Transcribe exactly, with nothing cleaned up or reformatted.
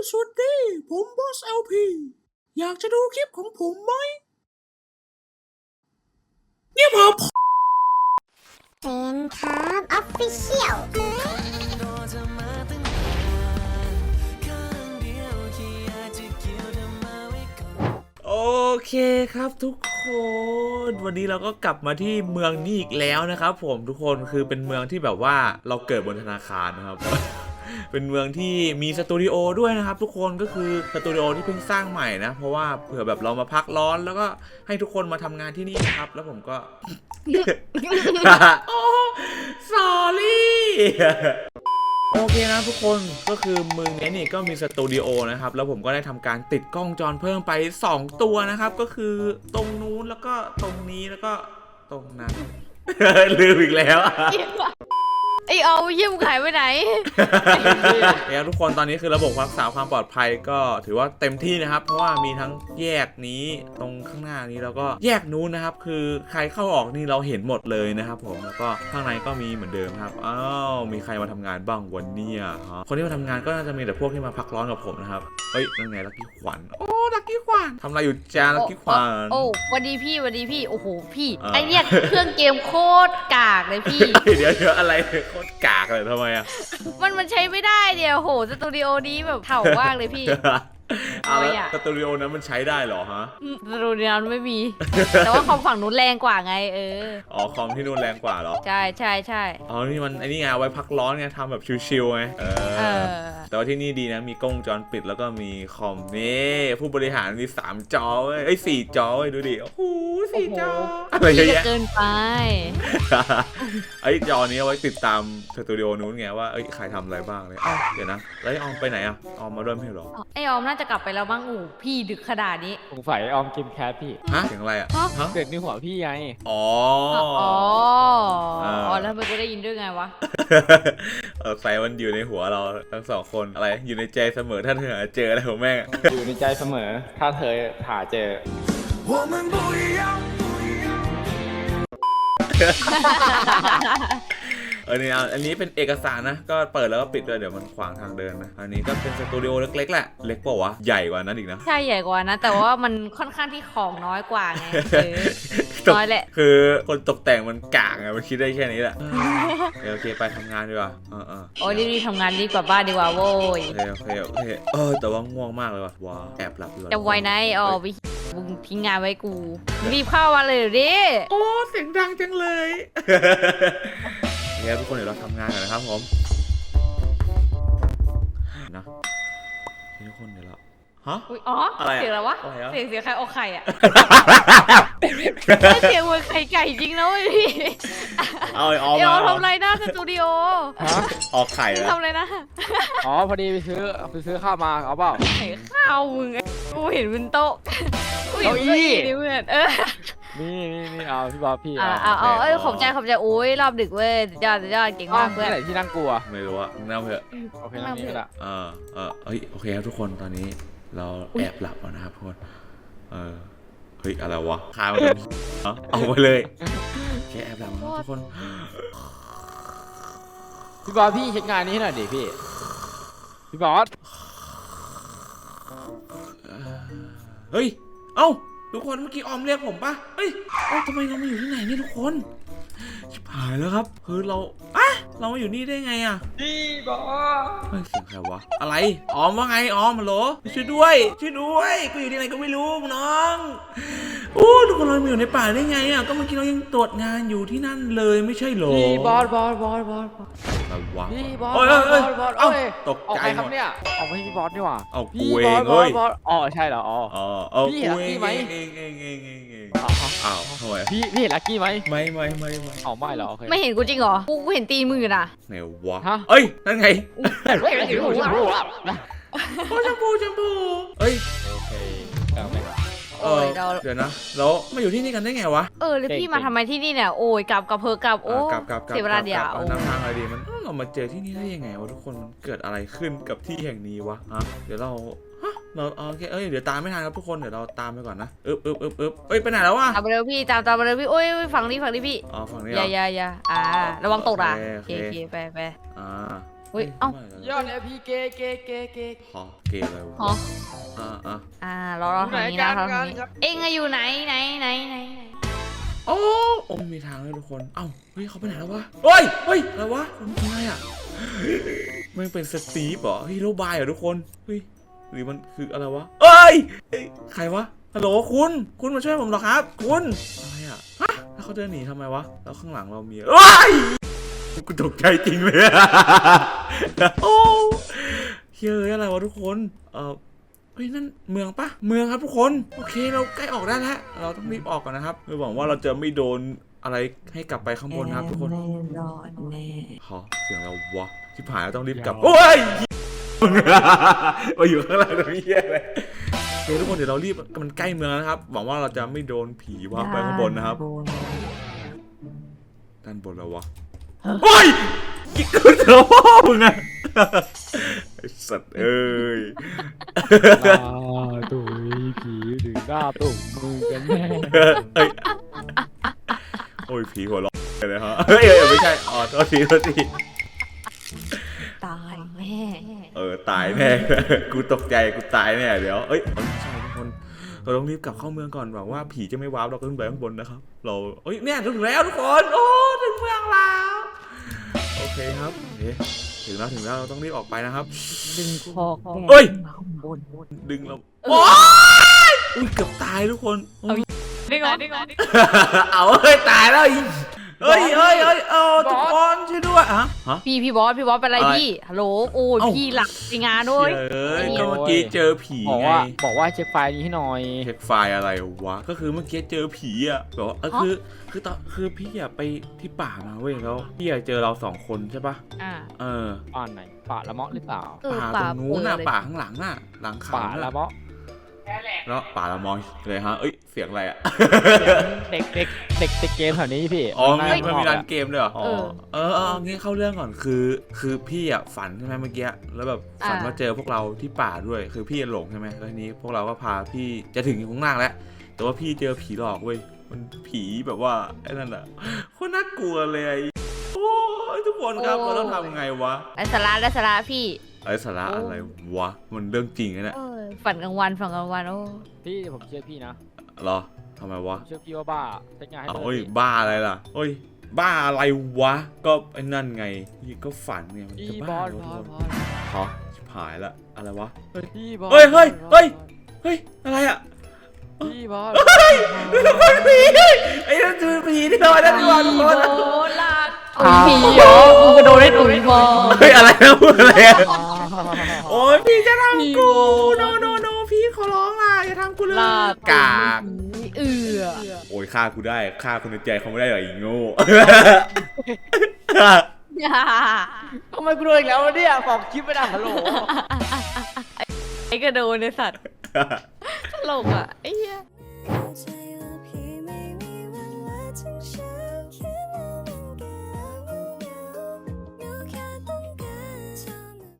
สวัสดีผมบอส แอล พี อยากจะดูคลิปของผมไหมเนี่ยผมเซนครับออฟฟิเชียลโอเคครับทุกคนวันนี้เราก็กลับมาที่เมืองนี้อีกแล้วนะครับผมทุกคนคือเป็นเมืองที่แบบว่าเราเกิดบนธนาคารนะครับ เป็นเมืองที่มีสตูดิโอด้วยนะครับทุกคนก็คือสตูดิโอที่เพิ่งสร้างใหม่นะเพราะว่าเผื่อแบบเรามาพักร้อนแล้วก็ให้ทุกคนมาทำงานที่นี่นะครับแล้วผมก็ โอ้ sorry โอเคนะทุกคนก็คือเมืองนี้นี่ก็มีสตูดิโอนะครับแล้วผมก็ได้ทำการติดกล้องจรเพิ่มไปสองตัวนะครับก็คือตรงนู้นแล้วก็ตรงนี้แล้วก็ตรงนั้น ลืมอีกแล้วไอเอาเยี่ยมขายไปไหนแล้วทุกคนตอนนี้คือระบบรักษาความปลอดภัยก็ถือว่าเต็มที่นะครับเพราะว่ามีทั้งแยกนี้ตรงข้างหน้านี้แล้วก็แยกนู้นนะครับคือใครเข้าออกนี่เราเห็นหมดเลยนะครับผมแล้วก็ข้างในก็มีเหมือนเดิมครับอ้าวมีใครมาทำงานบ้างวันนี้ฮะคนที่มาทำงานก็น่าจะมีแต่พวกที่มาพักร้อนกับผมนะครับเฮ้ยนั่นไงลักกี้ขวัญโอ้ลักกี้ขวัญทำอะไรอยู่จ้าลักกี้ขวัญโอ้วันดีพี่วันดีพี่โอ้โหพี่ไอเนี่ยเครื่องเกมโคตรกากเลยพี่เดี๋ยวเดี๋ยวอะไรโคตรกากเลยทำไมอ่ะมันมันใช้ไม่ได้เดี๋ยวโหสตูดิโอนี้แบบเถ่ามากเลยพี่เอาแล้วสตูดิโอนั้นมันใช้ได้เหรอฮะสตูดิโอนั้นไม่มี แต่ว่าคอมฝั่งนู้นแรงกว่าไงเอออ๋อคอมที่นู่นแรงกว่าเหรอใช่ใช่ใช่อ๋อนี่มันไอ้นี่ไงไว้พักร้อนไงทำแบบชิลๆไงเออแต่ว่าที่นี่ดีนะมีกล้องจรปิดแล้วก็มีคอมนี่ผู้บริหารมีสามจอเว้ยไอ้สี่จอเว้ยดูดิโอ้โหสี่จออะไรเยอะแยะเกินไปไอ้จอนี้เอาไว้ติดตามสตูดิโอนู้นไงว่าเอ้ยใครทำอะไรบ้างเลยอ้าวเดี๋ยวนะแล้วไอ้ออมไปไหนอ่ะออมมาด้วยไม่หรอไอออมน่าจะกลับไปแล้วบ้างอู๋พี่ดึกขนาดนี้สงสัยออมกินแคทพี่ฮะเสียงอะไรอ่ะฮะเกิดในหัวพี่ไงอ๋ออ๋ออ๋อแล้วมันก็ได้ยินด้วยไงวะเออไฟมันอยู่ในหัวเราทั้งสองคนอะไรอยู่ในใจเสมอถ้าเธอหาเจออะไรของแม่อยู่ในใจเสมอถ้าเธอหาเจอเออนี่อันนี้เป็นเอกสารนะก็เปิดแล้วก็ปิดด้วยเดี๋ยวมันขวางทางเดินนะอันนี้ก็เป็นสตูดิโอเล็กๆแหละเล็กเปล่าวะใหญ่กว่านั้นอีกนะใช่ใหญ่กว่านะแต่ว่ามันค่อนข้างที่ของน้อยกว่าไงน้อยแหละคือคนตกแต่งมันกากไงมันคิดได้แค่นี้แหละโอเคไปทำงานดีกว่าเออเออโอ้ยรีบๆทำงานดีกว่าบ้านดีกว่าโว้ยโอเคโอเคโอเคเออแต่ว่าง่วงมากเลยว่ะว้าแอบหลับอยู่จะไวไหนอ๋อวิมึงทิ้งงานไว้กูรีบเข้ามาเลยดิโอ้เสียงดังจังเลยเนี่ยทุกคนเดี๋ยวเราทำงานกันนะครับผมนะทุกคนเดี๋ยวเราฮะอ๋อเสียงอะไรวะเสียงเสียงใครออกไข่อะเสียงเหมือนไข่ไก่จริงนะเว้ยพี่เอาไอ้ออมเดี๋ยวทำไรหน้าสตูดิโอออกไข่แล้วทำไรนะอ๋อพอดีไปซื้อไปซื้อข้าวมาเอาเปล่าไข่ข้าวมึงกูเห็นบนโต๊ะกูเห็นเก้าอี้นี่เพื่อนเออนี่นี่นี่เอาพี่บอสพี่เอาเอาเอาเอ้ยขอบใจขอบใจโอ้ยรอบดึกเว้ยยอดยอดเก่งมากเพื่อนไหนที่นั่งกลัวไม่รู้อะนั่งเถอะโอเคนั่งนี่ละเออเออเฮ้ยโอเคครับทุกคนตอนนี้เราแอบหลับแล้วนะครับทุกคนเออเฮ้ยอะไรวะคามันเอาไปเลยแค่แอบหลับนะทุกคนพี่บอสพี่เช็คงานนี้ให้หน่อยดิพี่พี่บอสเฮ้ยเอ้าทุกคนเมื่อกี้ออมเรียกผมปะเฮ้ยเอ้าทำไมเรามาอยู่ที่ไหนนี่ทุกคนชิบหายแล้วครับคือเราอะเรามาอยู่นี่ได้ไงอะพี่บอสเฮ้ยเสียงใครวะอะไรออมว่าไงออมมาโหลช่วยด้วยช่วยด้วยกูอยู่ที่ไหนก็ไม่รู้น้องโอ้ทุกคนเรามาอยู่ในป่าได้ไงอะก็เมื่อกี้เรายังตรวจงานอยู่ที่นั่นเลยไม่ใช่หรอพี่บอสบอสบอสบอสอะไรวะพี่บอสเอ้ยเอ้ยเอ้าตกใจหมดเนี่ยเอาไม่พี่บอสนี่หว่าเอากูเองเลยอ๋อใช่เหรออ๋ออ๋อพี่ลักกี้ไหมเองเองเองเองเองอ้าวทำไมพี่พี่เห็นลักกี้ไหมไม่ไม่ไม่ไม่อ๋อไม่เหรอไม่เห็นกูจริงเหรอกูเห็นตีมือน่ะไหนวะเอ้ยนั่นไงโอ้ชมพูชมพูเอ้ยโอเคเอาไปเออเดี๋ยวนะแล้วมาอยู่ที่นี่กันได้ไงวะเออแล้วพี่มาทำไมที่นี่เนี่ยโอ้ยกลับกับเพอกลับโอ้เสียเวลาเดียวน้ำทางอะไรดีมันเรามาเจอที่นี่ได้ยังไงวะทุกคนมันเกิดอะไรขึ้นกับที่แห่งนี้วะฮะเดี๋ยวเราเราโอเคเอ้ยเดี๋ยวตามไม่ทันครับทุกคนเดี๋ยวเราตามไปก่อนนะอึ๊บอึ๊บอึ๊บอึ๊บเอ้ยไปไหนแล้ววะตามไปเร็วพี่ตามตามไปเร็วพี่โอ้ยฝั่งนี้ฝั่งนี้พี่อ๋อฝั่งนี้อย่าอย่าอย่าอ่าระวังตกอ่ะโอเคโอเคไปไปอ่าเฮ้ยเอ้ายอดเอพีเกเกเกเกฮะเกย์อะไรหอวะอ่าอ่ะอ่ารอเราทางนี้นะเราทางนี้เอ็งอะอยู่ไหนไหนไหนไหนไหนโอ้โอ้ไม่มีทางเลยทุกคนเอ้าเฮ้ยเขาไปไหนแล้ววะเฮ้ยเฮ้ยอะไรวะคนเป็นอะไรอ่ะมันเป็นสตีฟเหรอฮีโร่บายเหรอทุกคนเฮ้ยหรือมันคืออะไรวะเอ้ยเอ้ยใครวะฮัลโหลคุณคุณมาช่วยผมหรอครับคุณอะไรอ่ะฮะแล้วเขาเดินหนีทำไมวะแล้วข้างหลังเรามีเอ้ยกูตกใจจริงเลยโอ้เฮ้ยอะไรวะทุกคนเออเฮ้ยนั่นเมืองปะเมืองครับทุกคนโอเคเราใกล้ออกได้แล้วเราต้องรีบออกก่อนนะครับเพื่อหวังว่าเราจะไม่โดนอะไรให้กลับไปข้างบนนะครับทุกคนฮะเสียงเราวะชิบหายเราต้องรีบกลับโอ้ยมาอยู่ข้างล่างตรงนี้แย่เลยเฮ้ยทุกคนเดี๋ยวเรารีบมันใกล้เมืองแล้วนะครับหวังว่าเราจะไม่โดนผีว่าไปข้างบนนะครับด้านบนแล้ววะโอ้ยยิ่งเกินเถอะพ่อมึงอะไอ้สัตว์เอ้ยหน้าตุยผีถึงหน้าตุ่มมือกันแน่เฮ้ยโอ้ยผีหัวเราะเลยฮะเฮ้ยเอ้ยไม่ใช่อ๋อโทษทีโทษทีตายแม่เออตายแน่ กูตกใจกูตายแน่เดี๋ยวเอ้ยไม่ใช่ทุกคนเราต้องรีบกลับเข้าเมืองก่อนหวังว่าผีจะไม่ว้าวเราขึ้นไปข้างบนนะครับเราเอ้ยเนี่ยถึงแล้วทุกคนโอ้ถึงเมืองแล้วโอเคครับโอเคถึงแล้วถึงแล้วเราต้องรีบออกไปนะครับดึงคอเอ้ยข้างบนดึงเราโอ้ยอุ้ยเกือบตายทุกคนโอ้ยดึงเหรอดึงเหรอเอาเฮ้ยตายแล้วอีกเฮ้ยเฮ้ยเฮ้ยเออทุกคนช่วยด้วยอะฮะพี่พี่บอสพี่บอสเป็นไรอะไรพี่ฮัลโหลโอ้ยเอ้าพี่หลับในงานด้วยเอ้ยก็เมื่อกี้เจอผีบอกไงว่าบอกว่าเช็คไฟล์นี้ให้หน่อยเช็คไฟล์อะไรวะก็คือเมื่อกี้เจอผีอ่ะแบบว่าเออคือคือตอนคือพี่อะไปที่ป่ามาเว้ยแล้วพี่อะเจอเราสองคนใช่ปะอ่าเออป่าไหนป่าละเมาะหรือเปล่าเออป่าตรงนู้นน่ะเปิดเลยป่าข้างหลังน่ะหลังเขาป่าละน่ะเมาะแล้วป่าละมอยเลยฮะเอ้ยเสียงอะไรอ่ะเด็กเด็กเด็กเด็กเกมแถวนี้พี่อ๋อข้างหมันมันมีร้านอะเกมด้วยเหรอเออเออเอองี้เข้าเรื่องก่อนคือ คือพี่อ่ะฝันใช่ไหมเมื่อกี้แล้วแบบฝันอ่าว่าเจอพวกเราที่ป่าด้วยคือพี่หลงใช่ไหมแล้วทีนี้พวกเราก็พาพี่จะถึงข้างล่างแล้วแต่ว่าพี่เจอผีหลอกเว้ยมันผีแบบว่าไอ้นั่นอ่ะโคตรน่ากลัวเลยโอ้ยทุกคนครับเราต้องทำไงวะไอ้สาระได้สาระพี่ไอ้สาระอะไรวะมันเรื่องจริงนะเนี่ยเออฝันกลางวันฝันกลางวันโอ้พี่ผมเชื่อพี่นะเหรอทำไมวะผมเชื่อพี่ว่าบ้าเช็คงานให้อ้าวหน่โอ้อยยดิบ้าอะไรล่ะโอ้ยบ้าอะไรวะก็ไอ้นั่นไงพี่ก็ฝันไงมันพี่จะบบ้าอสเหรบออสทุกบคอน สฮะชิบหายละอะไรวะพี่บอสเฮ้ยเฮ้ยบอสเฮ้ย เฮ้ยอะไรอ่ะพี่บอสผีไอ้นั่นคือผีที่เราได้ดีกว่าทุกคนโหลากตุยผีเหรอมึงกระโดดได้ตุยบอเฮ้ยอะไรนะพูดอะไรอะโอ้ยพี่จะทำกูโนโนโนพี่ขอร้องล่ะอย่าทำกูเลยลากกากเอือโอ้ยฆ่ากูได้ฆ่าคนในใจเขาไม่ได้หรออีโง่อย่าทำไมกูโดนอีกแล้ววะเนี่ยบอกคลิปไม่ได้ฮัลโหลไอ้กระโดดในสัตว์ตลกอ่ะไอ้เหี้ย